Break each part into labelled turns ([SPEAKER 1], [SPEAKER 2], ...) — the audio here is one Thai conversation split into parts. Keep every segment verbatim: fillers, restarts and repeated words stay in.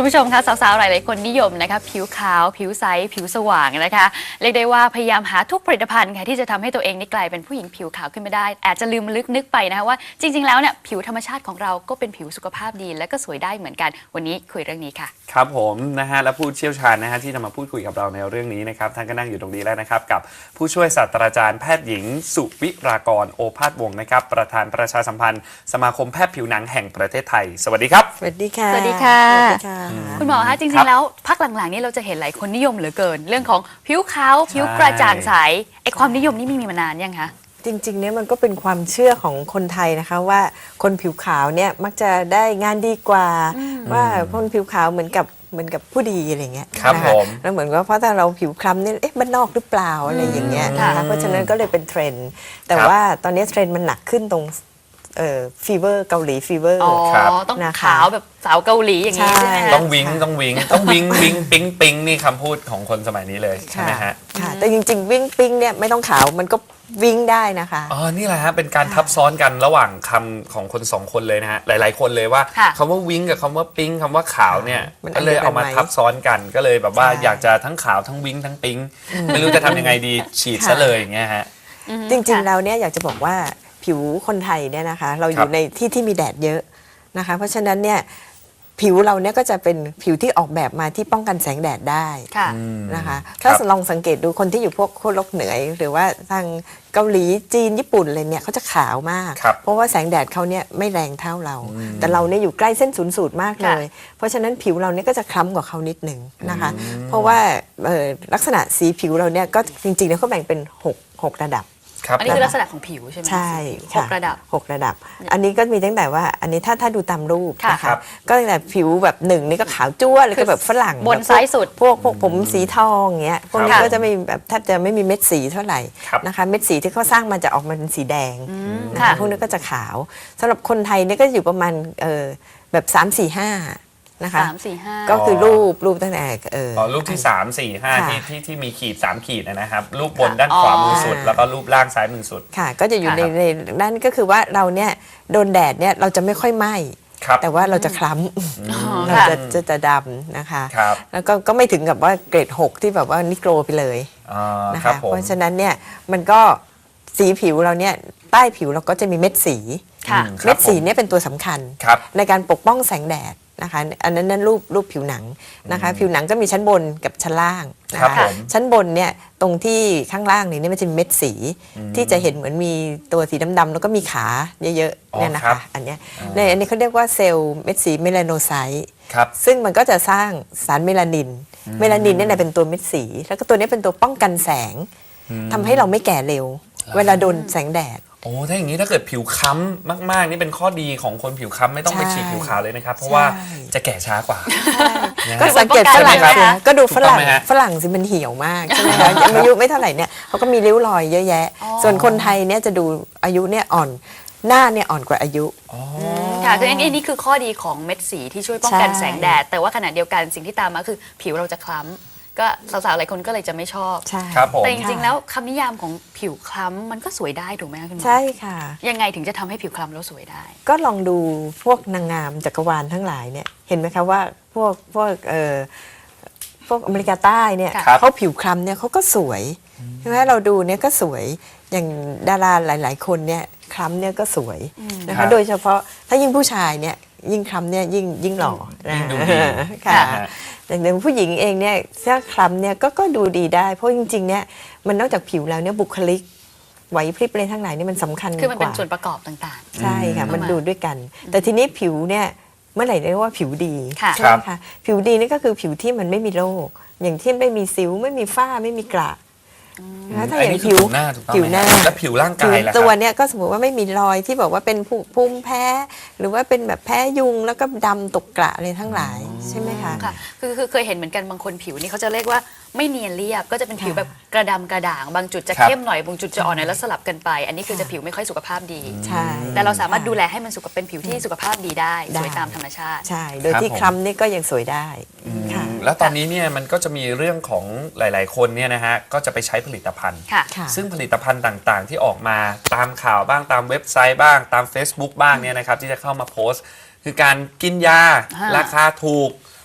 [SPEAKER 1] คุณผู้ชมคะสาวๆหลายๆคนนิยมนะคะผิวขาวผิวใสผิวสว่างนะคะเรียกได้ว่าพยายามหาทุกผลิตภัณฑ์ค่ะที่จะทำให้ตัวเองนี่กลายเป็นผู้หญิงผิวขาวขึ้นมาได้อาจจะลืมลึกนึกไปนะคะว่าจริงๆแล้วเนี่ยผิวธรรมชาติของเราก็เป็นผิวสุขภาพดีและก็สวยได้เหมือนกันวันนี้คุยเรื่องนี้ค่ะ
[SPEAKER 2] ครับผมนะฮะและผู้เชี่ยวชาญนะฮะที่จะมาพูดคุยกับเราในเรื่องนี้นะครับท่านก็นั่งอยู่ตรงนี้แล้วนะครับกับผู้ช่วยศาสตราจารย์แพทย์หญิงสุวิรากรโอภาสวงศ์นะครับประธานประชาสัมพันธ์สมาคมแพทย์ผิวหนังแห่งประเทศไทยสวัสดีครับ
[SPEAKER 3] สวัสดีค่ะ
[SPEAKER 1] สวัสดีค่ะคุณหมอคะจ
[SPEAKER 2] ครั
[SPEAKER 1] ริง
[SPEAKER 2] บ
[SPEAKER 1] ๆแล้วพักหลังๆนี้เราจะเห็นหลายคนนิยมเหลือเกิน เรื่องของผิวขาวผิวกระจ่างใสไอความนิยมนี่มีมานานยังคะ
[SPEAKER 3] จริงๆเนี่ยมันก็เป็นความเชื่อของคนไทยนะคะว่าคนผิวขาวเนี่ยมักจะได้งานดีกว่าว่าคนผิวขาวเหมือนกับเหมือนกับผู้ดีอะไรเงี้ย
[SPEAKER 2] ครับ
[SPEAKER 3] นะ
[SPEAKER 2] ผ
[SPEAKER 3] คะ
[SPEAKER 2] ม
[SPEAKER 3] แล้วเหมือนว่าเพราะถ้าเราผิวคล้ำเนี่ยเอ๊ะบ้านนอกหรือเปล่าอะไรอย่างเงี้ยนะคะเพราะฉะนั้นก็เลยเป็นเทรนด์แต่ว่าตอนนี้เทรนด์มันหนักขึ้นตรงเอ่อฟีเวอร์เกาหลีฟีเวอร์
[SPEAKER 1] อ๋อ
[SPEAKER 2] ครับ
[SPEAKER 1] ต้อง
[SPEAKER 3] นะคะ
[SPEAKER 1] ขาวแบบสาวเกาหลีอย่างนี้
[SPEAKER 3] ใช่
[SPEAKER 1] ใช่ไหมคะ
[SPEAKER 2] ต้องวิงต้องวิงต้องวิงวิงปิ๊งปิ๊งนี่คำพูดของคนสมัยนี้เลยใช่ไหมฮะ
[SPEAKER 3] ค่ะแต่จริงๆวิ่งปิ้งเนี่ยไม่ต้องขาวมันก็วิ่งได้นะคะ
[SPEAKER 2] อ๋อนี่แหละฮะเป็นการทับซ้อนกันระหว่างคำของคนสองคนเลยนะฮะหลายๆคนเลยว่า
[SPEAKER 1] ค่ะ
[SPEAKER 2] คำว่าวิงกับคำว่าปิ๊งคำว่าขาวเนี่ย
[SPEAKER 3] มัน
[SPEAKER 2] ก็เลยเอามา
[SPEAKER 3] อันเดียวกันไหม
[SPEAKER 2] ทับซ้อนกันก็เลยแบบว่า
[SPEAKER 3] ใช่
[SPEAKER 2] อยากจะทั้งขาวทั้งวิงทั้งปิ๊งไม่รู้จะทำยังไงดีฉีดซะเลยอย่างเงี้ยฮะ
[SPEAKER 1] อืม
[SPEAKER 3] จริง
[SPEAKER 1] ค่ะ
[SPEAKER 3] ๆ แล้วเนี่ยอยากจะบอกว่าผิวคนไทยเนี่ยนะคะเราอ
[SPEAKER 2] ครั
[SPEAKER 3] ยู่
[SPEAKER 2] บ
[SPEAKER 3] ในที่ที่มีแดดเยอะนะคะเพราะฉะนั้นเนี่ยผิวเราเนี่ยก็จะเป็นผิวที่ออกแบบมาที่ป้องกันแสงแดดได้
[SPEAKER 1] ค่ะ
[SPEAKER 3] นะคะ
[SPEAKER 2] ครั
[SPEAKER 3] ถ้า
[SPEAKER 2] บ
[SPEAKER 3] ลองสังเกตดูคนที่อยู่พวกขั้วโลกเหนือหรือว่าทางเกาหลีจีนญี่ปุ่นอะไรเนี่ยเขาจะขาวมาก
[SPEAKER 2] ครับ
[SPEAKER 3] เพราะว่าแสงแดดเขาเนี่ยไม่แรงเท่าเรา แต่เราเนี่ยอยู่ใกล้เส้นศูนย์สูตรมากเลย เพราะฉะนั้นผิวเราเนี่ยก็จะคล้ำกว่าเขานิดหนึ่งนะคะ เพราะว่าเอ่อลักษณะสีผิวเราเนี่ยก็จริงๆแล้วเขาแบ่งเป็นหกหกระดับ
[SPEAKER 2] ครับ
[SPEAKER 1] อันนี้คือลักษณะของผิวใช่ไหม
[SPEAKER 3] ใช่
[SPEAKER 1] หกระดับ
[SPEAKER 3] หกระดับ อันนี้ก็มีตั้งแต่ว่าอันนี้ถ้าถ้าดูตามรูป
[SPEAKER 1] ค่ะ
[SPEAKER 3] นะ
[SPEAKER 2] ครั
[SPEAKER 3] คะ
[SPEAKER 2] บ
[SPEAKER 3] ก็ตั้งแต่ผิวแบบหนึ่งนี่ก็ขาวจ้วเลยก็แบบฝรั่ง
[SPEAKER 1] บน
[SPEAKER 3] แบบพวก
[SPEAKER 1] ซ้ายสุด
[SPEAKER 3] พวกพวกผมสีทองอย่างเงี้ยพวกนี้
[SPEAKER 1] ค่ะ
[SPEAKER 3] ก็จะไม่แบบแทบจะไม่มีเม็ดสีเท่าไหร่
[SPEAKER 2] ครับ
[SPEAKER 3] นะคะเม็ดสีที่เขาสร้างมาจะออกมาเป็นสีแดงนะ
[SPEAKER 1] ค่ะ
[SPEAKER 3] คะพวกนี้ก็จะขาวสำหรับคนไทยเนี่ยก็อยู่ประมาณเออแบบสามสี่ห้านะคะ
[SPEAKER 1] สามสี่ห้า
[SPEAKER 3] ก็คือรูปรูปตั้งแต่เออ
[SPEAKER 2] อ๋อรูปที่สามสี่ห้า
[SPEAKER 3] ค่ะ
[SPEAKER 2] ที่ที่ที่มีขีดสามขีดนะครับรูปบน
[SPEAKER 1] ค่ะ
[SPEAKER 2] ด้านขวามือสุด
[SPEAKER 3] อ๋อ
[SPEAKER 2] แล้วก็รูปล่างซ้ายมือสุด
[SPEAKER 3] ค่ะก็จะอยู่ใน
[SPEAKER 2] ครับ
[SPEAKER 3] ในนั่นก็คือว่าเราเนี่ยโดนแดดเนี่ยเราจะไม่ค่อยไหม้
[SPEAKER 2] ครับ
[SPEAKER 3] แต่ว่าเราจะคล้
[SPEAKER 1] อ๋อ
[SPEAKER 3] ำเรา
[SPEAKER 1] ค่ะ
[SPEAKER 3] จะจะจะดำนะคะ
[SPEAKER 2] ครับ
[SPEAKER 3] แล้วก็ก็ไม่ถึงกับว่าเกรดหกที่แบบว่านิโกรไปเลย
[SPEAKER 2] อ่า
[SPEAKER 3] นะ
[SPEAKER 2] ครั
[SPEAKER 3] คะ
[SPEAKER 2] บผม
[SPEAKER 3] เพราะฉะนั้นเนี่ยมันก็สีผิวเราเนี่ยใต้ผิวเราก็จะมีเม็ดสี
[SPEAKER 1] ค่ะ
[SPEAKER 2] อืม ครับ
[SPEAKER 3] เม็ดสี
[SPEAKER 2] ผม
[SPEAKER 3] เนี่ยเป็นตัวสำคัญ
[SPEAKER 2] ครับ
[SPEAKER 3] ในการปกป้องแสงแดดนะคะอันนั้นนั่นรูปรูปผิวหนังนะคะผิวหนังก็มีชั้นบนกับชั้นล่างนะครับ คะ
[SPEAKER 2] ผม
[SPEAKER 3] ชั้นบนเนี่ยตรงที่ข้างล่างนี่เนี่ยมันจะมีเม็ดสีที่จะเห็นเหมือนมีตัวสีดำๆแล้วก็มีขาเยอะ
[SPEAKER 2] อ๋อ
[SPEAKER 3] ๆเนี่ยนะ
[SPEAKER 2] ครั
[SPEAKER 3] คะ
[SPEAKER 2] บ
[SPEAKER 3] อันเนี้ยในอันนี้เขาเรียกว่าเซลล์เม็ดสีเมลาโนไซต์
[SPEAKER 2] ครับ
[SPEAKER 3] ซึ่งมันก็จะสร้างสารเมลานิน เมลานินเนี่ยนะเป็นตัวเม็ดสี แล้วก็ตัวนี้เป็นตัวป้องกันแสงทำให้เราไม่แก่เร็ว เวลาโดนแสงแดด
[SPEAKER 2] โอ้ถ้าอย่างนี้ถ้าเกิดผิวค้ำมาก ๆ นี่เป็นข้อดีของคนผิวค้ำไม่ต้องไป
[SPEAKER 3] ใช่
[SPEAKER 2] ฉีดผิวขาวเลยนะครับ เพราะว่า
[SPEAKER 3] ใช่
[SPEAKER 2] จะแก่ช้ากว่า นะ
[SPEAKER 3] ก็
[SPEAKER 2] ฮะ
[SPEAKER 3] สังเกตฝรั่ง
[SPEAKER 1] ใช่ไหม
[SPEAKER 3] สิ
[SPEAKER 1] คะ
[SPEAKER 3] ก็ดูฝรั่ง
[SPEAKER 2] ถูกต้องไหมฮะ
[SPEAKER 3] ฝรั่งสิมันเหี่ยวมากใช่ไหมคะยังอายุไม่เท่าไหร่เนี่ยเขาก็มีริ้วรอยเยอะแยะ ส่วนคนไทยเนี่ยจะดูอายุเนี่ยอ่อนหน้าเนี่ยอ่อนกว่าอายุ
[SPEAKER 1] ค่ะคืออันนี้นี่คือข้อดีของเม็ดสีที่ช่วยป้องกัน
[SPEAKER 3] ใช่
[SPEAKER 1] แสงแดด แต่ว่าขณะเดียวกันสิ่งที่ตามมาคือผิวเราจะคล้ำก็สาวๆหลายคนก็เลยจะไม่ชอบ
[SPEAKER 3] ใช่
[SPEAKER 2] ครับผม
[SPEAKER 1] แต่จริงๆแล้วคำนิยามของผิวคล้ำมันก็สวยได้ถูกไหมคะคุณหมอ
[SPEAKER 3] ใช่ค่ะ
[SPEAKER 1] ยังไงถึงจะทำให้ผิวคล้ำแล้วสวยได้
[SPEAKER 3] ก็ลองดูพวกนางงามจักรวาลทั้งหลายเนี่ยเห็นไหมคะว่าพวกพวกเอ่อพวกอเมริกาใต้เนี่ย
[SPEAKER 1] ครับ
[SPEAKER 3] เขาผิวคล้ำเนี่ยเขาก็สวยใช่ไหมเราดูเนี่ยก็สวยอย่างดาราหลาย ๆ คนเนี่ยคล้ำเนี่ยก็สวยนะ
[SPEAKER 2] ครั
[SPEAKER 3] คะ
[SPEAKER 2] บ
[SPEAKER 3] โดยเฉพาะถ้ายิ่งผู้ชายเนี่ยยิ่งคล้ำเนี่ยยิ่งยิ่งหล่อนะ
[SPEAKER 2] ยิ่งดูดี
[SPEAKER 3] ค่ะ
[SPEAKER 2] นะฮะ
[SPEAKER 3] อย่างผู้หญิงเองเนี่ยถ้าคล้ำเนี่ยก็ก็ดูดีได้เพราะจริง ๆ เนี่ยมันนอกจากผิวแล้วเนี่ยบุคลิกไหวพริบอะไรทั้งหลายนี่มันสำคัญ
[SPEAKER 1] คือมันเป็น
[SPEAKER 3] กว่า
[SPEAKER 1] ส่วนประกอบต่าง
[SPEAKER 3] ใช่ค่ะ
[SPEAKER 1] อืม
[SPEAKER 3] มันดูด้วยกัน แต่ทีนี้ผิวเนี่ยเมื่อไหร่เรียกว่าผิวดี
[SPEAKER 1] ค่ะ
[SPEAKER 3] ใช่ไหมคะผิวดีนี่ก็คือผิวที่มันไม่มีโรคอย่างที่ไม่มีสิวไม่มีฝ้าไม่มีกระนะคะถ้า
[SPEAKER 2] อั
[SPEAKER 3] อน ย่า
[SPEAKER 2] นี้
[SPEAKER 3] ง
[SPEAKER 2] คือ
[SPEAKER 3] ผิว
[SPEAKER 2] ผิวหน้าถูกต้อง
[SPEAKER 3] ผิวหน้า
[SPEAKER 2] ไหมฮะแล้วผิวร่างกายล่ะค
[SPEAKER 3] ตัว
[SPEAKER 2] รับ
[SPEAKER 3] เนี่ยก็สมมติว่าไม่มีรอยที่บอกว่าเป็นภูภูมิแพ้ หรือว่าเป็นแบบแพ้ยุงแล้วก็ดำตกกระอะไรทั้งหลายใช่ไหมคะ
[SPEAKER 1] ๆ ค่ะ คือคือเคยเห็นเหมือนกันบางคนผิวนี่เขาจะเรียกว่าไม่เนียนเรียบ ก็จะเป็นผิว
[SPEAKER 3] ค่ะ
[SPEAKER 1] แบบกระดำกระด่าง บางจุดจะ
[SPEAKER 2] ครับ
[SPEAKER 1] เข้มหน่อย บางจุดจะอ่อนหน่อยแล้วสลับกันไป อันนี้คือจะผิวไม่ค่อยสุขภาพดี
[SPEAKER 3] ใช่
[SPEAKER 1] แต่เราสามารถดูแลให้มันสุขเป็นผิวที่สุขภาพดีได้
[SPEAKER 3] ได้
[SPEAKER 1] สวยตามธรรมชาติ
[SPEAKER 3] ใช่ โดย
[SPEAKER 2] ครับ
[SPEAKER 3] ที่
[SPEAKER 2] ผม
[SPEAKER 3] คล้ำนี่ก็ยังสวยได้ค่ะ
[SPEAKER 2] แล้วตอนนี้เนี่ยมันก็จะมีเรื่องของหลาย ๆ คนเนี่ยนะฮะก็จะไปใช้ผลิตภัณฑ์
[SPEAKER 1] ค่ะ
[SPEAKER 3] ค่ะ
[SPEAKER 2] ซึ่งผลิตภัณฑ์ต่าง ๆ ที่ออกมาตามข่าวบ้างตามเว็บไซต์บ้างตาม Facebook บ้างเนี่ยนะครับที่จะเข้ามาโพสต์ คือการกินยา
[SPEAKER 1] อ่า
[SPEAKER 2] ราคาถูก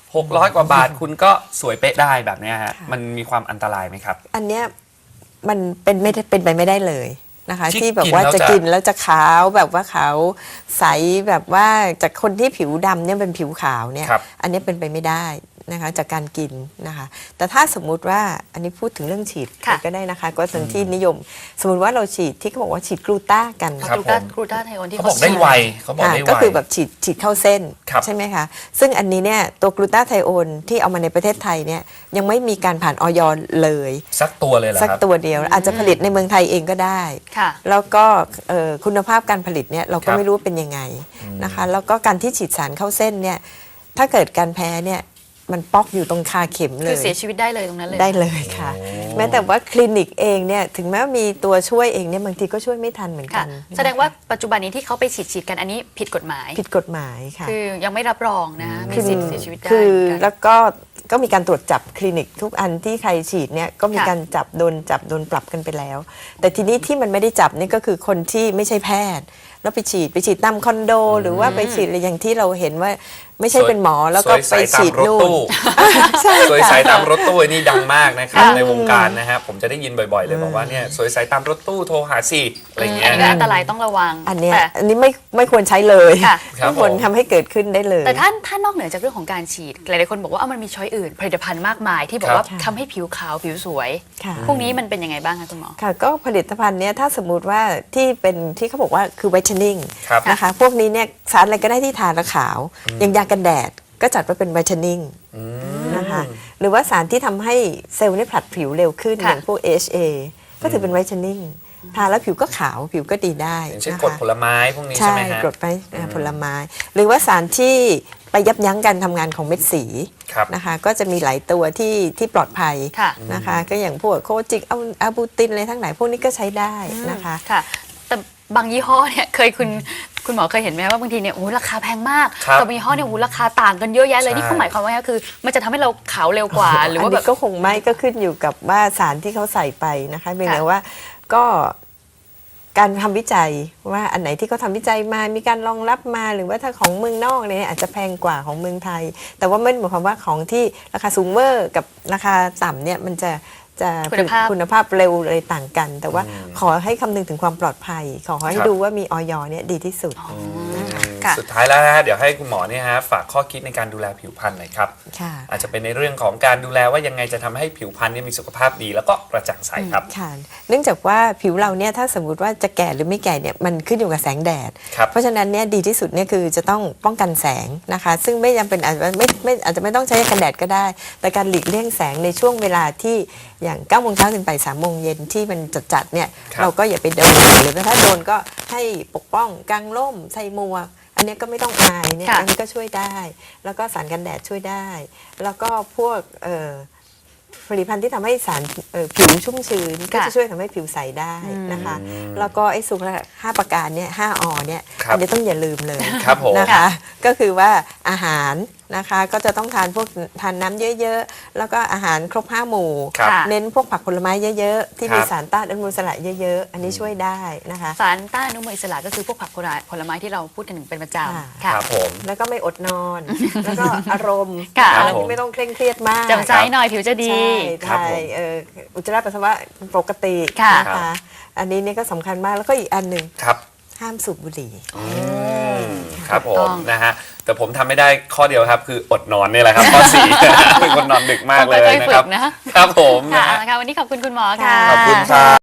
[SPEAKER 2] หกร้อยกว่าบาทคุณก็สวยเป๊ะได้แบบเนี้ยฮะมันมีความอันตรายไหมครับ
[SPEAKER 3] อันเนี้ยมันเป็นไม่ได้เป็นไปไม่ได้เลยนะคะ
[SPEAKER 2] ที่
[SPEAKER 3] ที่แบบว่า
[SPEAKER 2] กินแล้ว
[SPEAKER 3] จะ
[SPEAKER 2] จะ
[SPEAKER 3] กินแล้วจะขาวแบบว่าขาวใสแบบว่าจากคนที่ผิวดำเนี่ยเป็นผิวขาวเนี่ย
[SPEAKER 2] ครับ
[SPEAKER 3] อันนี้เป็นไปไม่ได้นะคะจากการกินนะคะแต่ถ้าสมมุติว่าอันนี้พูดถึงเรื่องฉีด
[SPEAKER 1] ค่ะ
[SPEAKER 3] ก็ได้นะคะก็สิ่งที่นิยม สมมติว่าเราฉีดที่เขาบอกว่าฉีดกลูต้ากัน
[SPEAKER 2] ครับ
[SPEAKER 1] กลูต้า
[SPEAKER 2] ผม
[SPEAKER 1] กลูต้าไทโอนที่
[SPEAKER 2] เขาบอกได้ไวเขาบอก
[SPEAKER 3] ค่ะ
[SPEAKER 2] ได้ไว
[SPEAKER 3] ก็คือแบบฉีดฉีดเข้าเส้น
[SPEAKER 2] ครับ
[SPEAKER 3] ใช่ไหมคะซึ่งอันนี้เนี่ยตัวกลูตาไทโอนที่เอามาในประเทศไทยเนี่ยยังไม่มีการผ่านออยเลย
[SPEAKER 2] สักตัวเลยเหรอ
[SPEAKER 3] สัก
[SPEAKER 2] ครับ
[SPEAKER 3] ตัวเดียว อาจจะผลิตในเมืองไทยเองก็ได้
[SPEAKER 1] ค่ะ
[SPEAKER 3] แล้วก็เอ่อคุณภาพการผลิตเนี่ยเรา
[SPEAKER 2] ค
[SPEAKER 3] ก็
[SPEAKER 2] รับ
[SPEAKER 3] ไม่รู้เป็นยังไงนะคะแล้วก็การที่ฉีดสารเข้าเส้นเนี่ยถ้าเกิดการแพ้เนี่ยมันป๊อกอยู่ตรงคาเข็มเล
[SPEAKER 1] คือย เสียชีวิตได้เลยตรงนั้นเลย
[SPEAKER 3] ได้เลยค่ะ แม้แต่ว่าคลินิกเองเนี่ยถึงแม้ว่ามีตัวช่วยเองเนี่ยบางทีก็ช่วยไม่ทันเหมือนกั
[SPEAKER 1] ค่ะ
[SPEAKER 3] น
[SPEAKER 1] แสดงว่าปัจจุบันนี้ที่เขาไปฉีดฉีดกันอันนี้ผิดกฎหมาย
[SPEAKER 3] ผิดกฎหมายค่ะ
[SPEAKER 1] คือยังไม่รับรองนะมีสิทธิ์เสียชีวิตได้
[SPEAKER 3] คือ
[SPEAKER 1] เหมือนกัน
[SPEAKER 3] แล้วก็ก็มีการตรวจจับคลินิกทุกอันที่ใครฉีดเนี่ยก็มี
[SPEAKER 1] ค่ะ
[SPEAKER 3] การจับโดนจับโดนปรับกันไปแล้ว แต่ทีนี้ที่มันไม่ได้จับนี่ก็คือคนที่ไม่ใช่แพทย์ แล้วไปฉีดไปฉีดตามคอนโด หรือว่าไปฉีดอะไรอย่างที่เราเห็นว่าไม่ใช่เป็นหมอแล้วก็ไปฉีดนู่น ใช่
[SPEAKER 2] สวยใส
[SPEAKER 3] ค่ะ
[SPEAKER 2] ตามรถตู้นี่ดังมากนะครับ
[SPEAKER 1] ค่ะ
[SPEAKER 2] ในวงการนะฮะผมจะได้ยินบ่อยๆ เลยบอกว่าเนี่ยสวยใสตามรถตู้โทรหาสิอะไรเงี้
[SPEAKER 1] อั
[SPEAKER 2] ย
[SPEAKER 1] นนี้ก็
[SPEAKER 2] นะ
[SPEAKER 1] อันตรายต้องระวัง
[SPEAKER 3] อันเนี้ย
[SPEAKER 1] แต่
[SPEAKER 3] อันนี้ไม่ไม่ควรใช้เลย
[SPEAKER 1] ค่ะ
[SPEAKER 2] ครับ
[SPEAKER 3] ไม่ควร
[SPEAKER 2] ผม
[SPEAKER 3] ทำให้เกิดขึ้นได้เลย
[SPEAKER 1] แต่ถ้าถ้านอกเหนือจากเรื่องของการฉีดหลายๆคนบอกว่าเอามันมีช้อยอื่น ผลิตภัณฑ์มากมายที่บอกว่า
[SPEAKER 3] ครับ
[SPEAKER 1] ทำให้ผิวขาวผิวสวย
[SPEAKER 3] ค่ะ
[SPEAKER 1] พวกนี้มันเป็นยังไงบ้างคะคุณหมอ
[SPEAKER 3] ค่ะก็ผลิตภัณฑ์เนี้ยถ้าสมมุติว่าที่เป็นที่เขาบอกว่าคือ whitening
[SPEAKER 2] ครับ
[SPEAKER 3] นะคะพวกนี้เนี่ยสารอะไรก็ได้ที่ทาแล้วขาว อย่างยากันแดดก็จัดว่าเป็น whitening นะคะหรือว่าสารที่ทำให้เซลล์เนี่ยผลัดผิวเร็วขึ้น
[SPEAKER 1] ค่ะ
[SPEAKER 3] อย่างพวก เอช เอ ก็ถือเป็น whitening ทาแล้วผิวก็ขาวผิวก็ดีได้
[SPEAKER 2] อย่างเช่น
[SPEAKER 3] นะ
[SPEAKER 2] กรด
[SPEAKER 3] คะ
[SPEAKER 2] ผลไม้พวกนี้ใช่
[SPEAKER 3] ใช่
[SPEAKER 2] ไหมฮะ
[SPEAKER 3] กรดไปผลไม้ หรือว่าสารที่ไปยับยั้งการทำงานของเม็ดสี
[SPEAKER 2] ครับ
[SPEAKER 3] นะคะก็จะมีหลายตัวที่ที่ปลอดภัย
[SPEAKER 1] ค่ะ
[SPEAKER 3] นะคะก็อย่างพวกโคจิกเอาอาบูตินอะไรทั้งหลายพวกนี้ก็ใช้ได้นะคะ
[SPEAKER 1] ค่ะ แต่บางยี่ห้อเนี่ยเคยคุณคุณหมอเคยเห็นไหมว่าบางทีเนี่ยโอ้โหราคาแพงมาก
[SPEAKER 2] ครับ
[SPEAKER 1] กับบางยี่ห้อเนี่ยโอ้โหราคาต่างกันเยอะแยะเลย
[SPEAKER 2] ใช่
[SPEAKER 1] นี่เขาหมายความว่าไงคือ มันจะทำให้เราขาวเร็วกว่า หรือว่า
[SPEAKER 3] อัน
[SPEAKER 1] แบ
[SPEAKER 3] นี้
[SPEAKER 1] บ
[SPEAKER 3] ก็คงไม่ก็ขึ้นอยู่กับว่าสารที่เขาใส่ไปนะคะเพียงแต่
[SPEAKER 1] ค่ะ
[SPEAKER 3] ว่าก็การทำวิจัยว่าอันไหนที่เขาทำวิจัยมามีการรองรับมาหรือว่าถ้าของเมืองนอกเนี่ยอาจจะแพงกว่าของเมืองไทย แต่ว่าไม่ได้หมายความว่าของที่ราคาสูงเวอร์กับราคาต่ำเนี่ยมันจะจะ
[SPEAKER 1] คุณภาพ
[SPEAKER 3] คุณภาพเร็วอะไรต่างกัน แต่ว่าขอให้คำนึงถึงความปลอดภัย ขอให้
[SPEAKER 2] ครับ
[SPEAKER 3] ดูว่ามีออยเนี่ยดีที่สุด
[SPEAKER 1] ค่ะ
[SPEAKER 2] สุดท้ายแล้วนะฮะเดี๋ยวให้คุณหมอเนี่ยฮะฝากข้อคิดในการดูแลผิวพรรณหน่อยครับ
[SPEAKER 3] ค่ะ
[SPEAKER 2] อาจจะเป็นในเรื่องของการดูแลว่ายังไงจะทำให้ผิวพรรณเนี่ยมีสุขภาพดีแล้วก็กระจ่างใสครับ
[SPEAKER 3] ค่ะเนื่องจากว่าผิวเราเนี่ยถ้าสมมติว่าจะแก่หรือไม่แก่เนี่ยมันขึ้นอยู่กับแสงแดด
[SPEAKER 2] ครับ
[SPEAKER 3] เพราะฉะนั้นเนี่ยดีที่สุดเนี่ยคือจะต้องป้องกันแสงนะคะ ซึ่งไม่จำเป็นอาจจะไม่ไม่อาจจะไม่ต้องใช้กันแดดก็ได้ แต่การหลีกเลี่ยงแสงในช่วงเวลาที่อย่างเก้าโมงเช้าถึงบ่ายสามโมงเย็นที่มันจัดๆเนี่ย
[SPEAKER 2] ครับ
[SPEAKER 3] เราก็อย่าไปโดนหรือถ้าโดนก็ให้ปกป้องกางร่มใส่หมวกอันเนี้ยก็ไม่ต้องอายเนี่ย
[SPEAKER 1] ค่ะ
[SPEAKER 3] อันนี้ก็ช่วยได้ แล้วก็สารกันแดดช่วยได้ แล้วก็พวกเอ่อ ผลิตภัณฑ์ที่ทำให้สารเอ่อผิวชุ่มชื้นก็จะช่วยทำให้ผิวใสได้นะคะ แล้วก็ไอ้สุขห้าประการเนี่ยห้าอเนี่ย
[SPEAKER 2] ครับ
[SPEAKER 3] อันนี้ต้องอย่าลืมเลย
[SPEAKER 2] ครับผม
[SPEAKER 3] นะคะ ก็คือว่าอาหารนะคะก็จะต้องทานพวกทานน้ำเยอะๆ แล้วก็อาหารครบห้าหมู่
[SPEAKER 2] ครับ
[SPEAKER 1] ค่ะ
[SPEAKER 3] เน้นพวกผักผลไม้เยอะๆ ที่มี
[SPEAKER 2] ครับ
[SPEAKER 3] สารต้านอนุมูลอิสระเยอะๆ อันนี้ช่วยได้นะคะ
[SPEAKER 1] สารต้านอนุมูลอิสระก็คือพวกผักผลไม้ที่เราพูดถึงเป็นประจำ
[SPEAKER 2] ค
[SPEAKER 1] ค่ะ
[SPEAKER 2] รับผม
[SPEAKER 3] แล้วก็ไม่อดนอน แล้วก็อารมณ์
[SPEAKER 1] ค่ะ
[SPEAKER 3] อารมณ์ที่ไม่ต้องเคร่งเครียดมาก
[SPEAKER 1] จำใจหน่อยผิวจะดี
[SPEAKER 2] ครั
[SPEAKER 3] ใช่
[SPEAKER 2] บ
[SPEAKER 3] ใช่
[SPEAKER 2] ผม
[SPEAKER 3] เอ่ออุจจาระปัสสาวะปกติ
[SPEAKER 1] ค่ะ
[SPEAKER 3] นะคะ อันนี้เนี่ยก็สำคัญมากแล้วก็อีกอันหนึ่ง
[SPEAKER 2] ครับ
[SPEAKER 3] ห้ามสูบบุหรี่
[SPEAKER 2] ครับผ
[SPEAKER 1] ถูกต้
[SPEAKER 2] ม
[SPEAKER 1] อง
[SPEAKER 2] นะฮะแต่ผมทำไม่ได้ข้อเดียวครับ คืออดนอนนี่แหละครับข้อสี่ เป็นคนนอนดึกมากเลย
[SPEAKER 1] ต้องค่อยๆ
[SPEAKER 2] นะครับ
[SPEAKER 1] ฝึกนะ
[SPEAKER 2] ครับผม
[SPEAKER 1] ค่ะ
[SPEAKER 2] นะฮะ
[SPEAKER 1] เอาละค่ะวันนี้ขอบคุณคุณหมอค่ะ
[SPEAKER 2] ขอบคุณครับ